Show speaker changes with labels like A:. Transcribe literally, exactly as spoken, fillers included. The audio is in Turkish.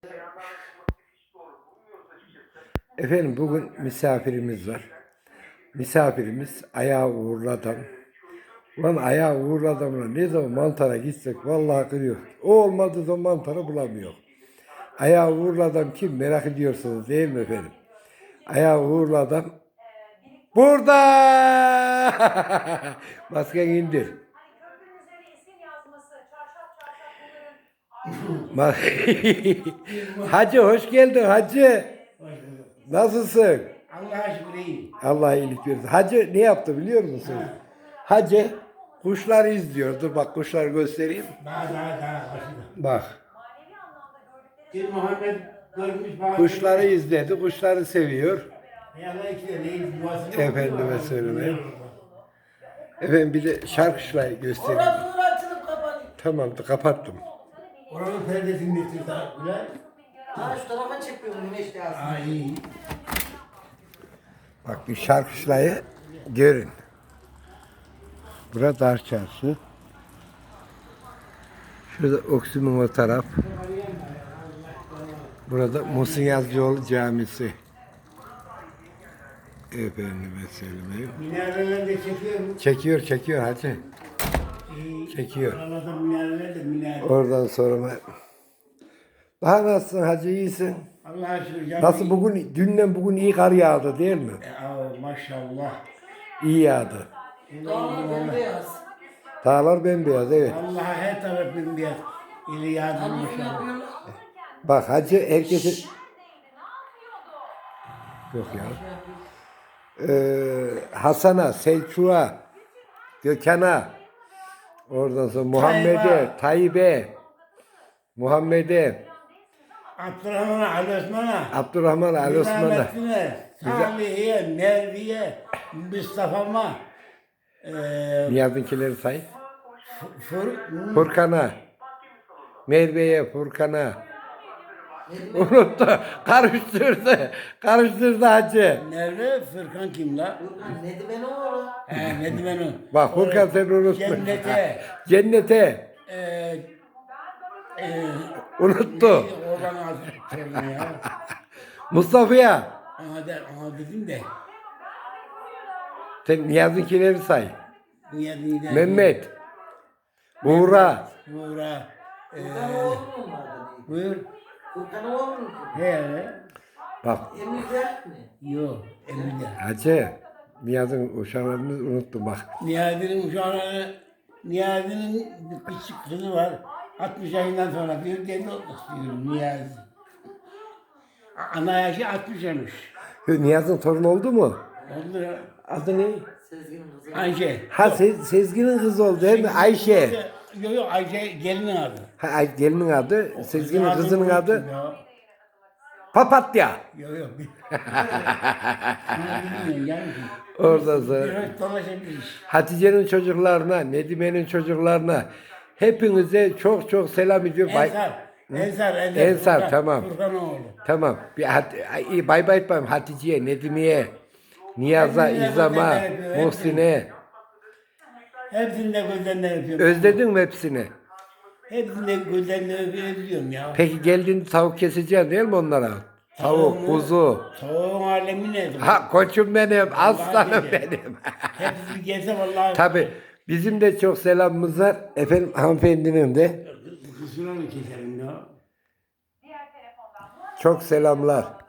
A: Efendim bugün misafirimiz var. Misafirimiz ayağı uğurlu adam. Lan ayağı uğurlu adamla ne zaman mantara gitsek vallahi kırıyor. O olmadığı zaman mantarı bulamıyor. Ayağı uğurlu adam kim merak ediyorsunuz değil mi efendim? Ayağı uğurlu adam burada. Maskeni indir. Hacı hoş geldin hacı. Nasılsın?
B: Allah'a şükür iyiyim.
A: Allah iyilik versin. Hacı ne yaptı biliyor musun?
B: Ha.
A: Hacı kuşları izliyor. Dur bak kuşları göstereyim.
B: Daha daha daha başında.
A: Bak.
B: Bir Muhammed görmüş bazı.
A: Kuşları izledi. Kuşları seviyor.
B: Allah iki de neyiz yuvasını.
A: Efendime söyleyeyim. Efendim bir de şarkışlayı göstereyim.
C: Orasını açılıp kapanıyor.
A: Tamamdır kapattım.
B: Oranın perdesini getir daha. Ulan.
C: Ha şu tarafa çekiyor bu güneş lazım.
B: Aa iyi.
A: Bak bir şarkışlayı görün. Burada Dar Çarşı. Şurada Oksimum o taraf. Burada Muhsin Yazıcıoğlu Camisi. Efendime söyleyeyim.
B: Minareler de çekiyor mu?
A: Çekiyor çekiyor hacı.
B: İyi.
A: Çekiyor.
B: Oralarda minareler de minare.
A: Oradan sonra daha nasılsın hacı iyisin?
B: Allah'a şükür. canım
A: Nasıl
B: iyi.
A: bugün dünden bugün iyi kar yağdı değil mi?
B: E, aa, maşallah.
A: İyi yağdı.
C: Dağlar bembeyaz.
A: Dağlar bembeyaz evet.
B: Allah'a her taraf bembeyaz. İli yardım
C: Annem
B: maşallah.
C: yapıyorlar.
A: Bak hacı herkesi yok ya. Ee, Hasan'a, Selçuk'a, Gökhan'a, oradan sonra Muhammed'e, Tayyip'e, Muhammed'e,
B: Abdurrahman'a, Ali Osman'a.
A: Abdurrahman, Ali Osman'a,
B: Nizamettin'e, Salih'e, Mervi'ye, Mustafa'ma, eee
A: Niyazi'nkileri say.
B: Fur,
A: Furkan'a, Merve'ye, Furkan'a. Unuttu, karıştırdı, karıştırdı hacı.
B: Merve, Furkan kim la?
C: Furkan Nedim'e ne olur?
B: He, ne ben o?
A: Bak Furkan sen unuttun.
B: Cennete,
A: Cennete,
B: eee eee
A: unuttu.
B: Oradan aldım ya.
A: Mustafa'ya,
B: Aha, de, aha dedim de.
A: sen Niyazi'nkileri say.
B: Niye niye?
A: Mehmet, Buğra,
B: Buğra. Eee
C: Furkan oğlu mu onlardan?
B: buyur.
C: Furkan oğlu mu?
B: He.
A: bak
C: Emir Dert mi?
B: Yok, Emine.
A: hacı, Niyazi'nin uşaklarını unuttum bak.
B: Niyazi'nin uşağına, Niyazi'nin bir küçük kızı var. altmış yaşından sonra diyor, deli olmak istiyorum Niyazi. Ana yaşı altmış olmuş.
A: Niyaz'ın torunu oldu mu?
B: Oldu ya.
A: Adı ne?
C: Sezgin'in kızı.
B: Ayşe.
A: Ha Se- Sezgin'in kızı oldu değil mi? Ayşe.
B: Yok yok Ayşe gelinin adı.
A: Ha, Ay- gelinin adı, Sezgin'in
B: Adını
A: kızının
B: unuttum
A: adı
B: ya.
A: Papatya.
B: Yok yok. Bilmiyorum yani.
A: Oradan sonra
B: Biraz dolaşabiliriz.
A: Hatice'nin çocuklarına, Nedime'nin çocuklarına hepinize çok çok selam ediyorum. Bay-
B: Ensar. Ensar. Ensar,
A: Ensar,
B: Furkan-
A: tamam.
B: Furkanoğlu.
A: Tamam. Bir hat- iyi, bay bay yapayım Hatice'ye, Nedime'ye, Niyaz'a,
B: Hepsine
A: İzam'a,
B: gözlerinden öpüyor,
A: Muhsin'e.
B: Hepsini de gözlerinden öpüyorum.
A: Özledin mi hepsini?
B: Hepsini de gözlerinden öpüyorum ya.
A: Peki geldiğinde tavuk keseceksin değil mi onlara? Tavuk,
B: Tavuğu-
A: kuzu.
B: Tavuğun alemi ne?
A: Ha koçum benim, aslanım
B: Vallahi
A: benim.
B: Hepsi gelse vallahi.
A: Tabii bizim de çok selamımız var. Efendim hanımefendinin de
B: Kısmına mı keserim ya?
A: çok selamlar.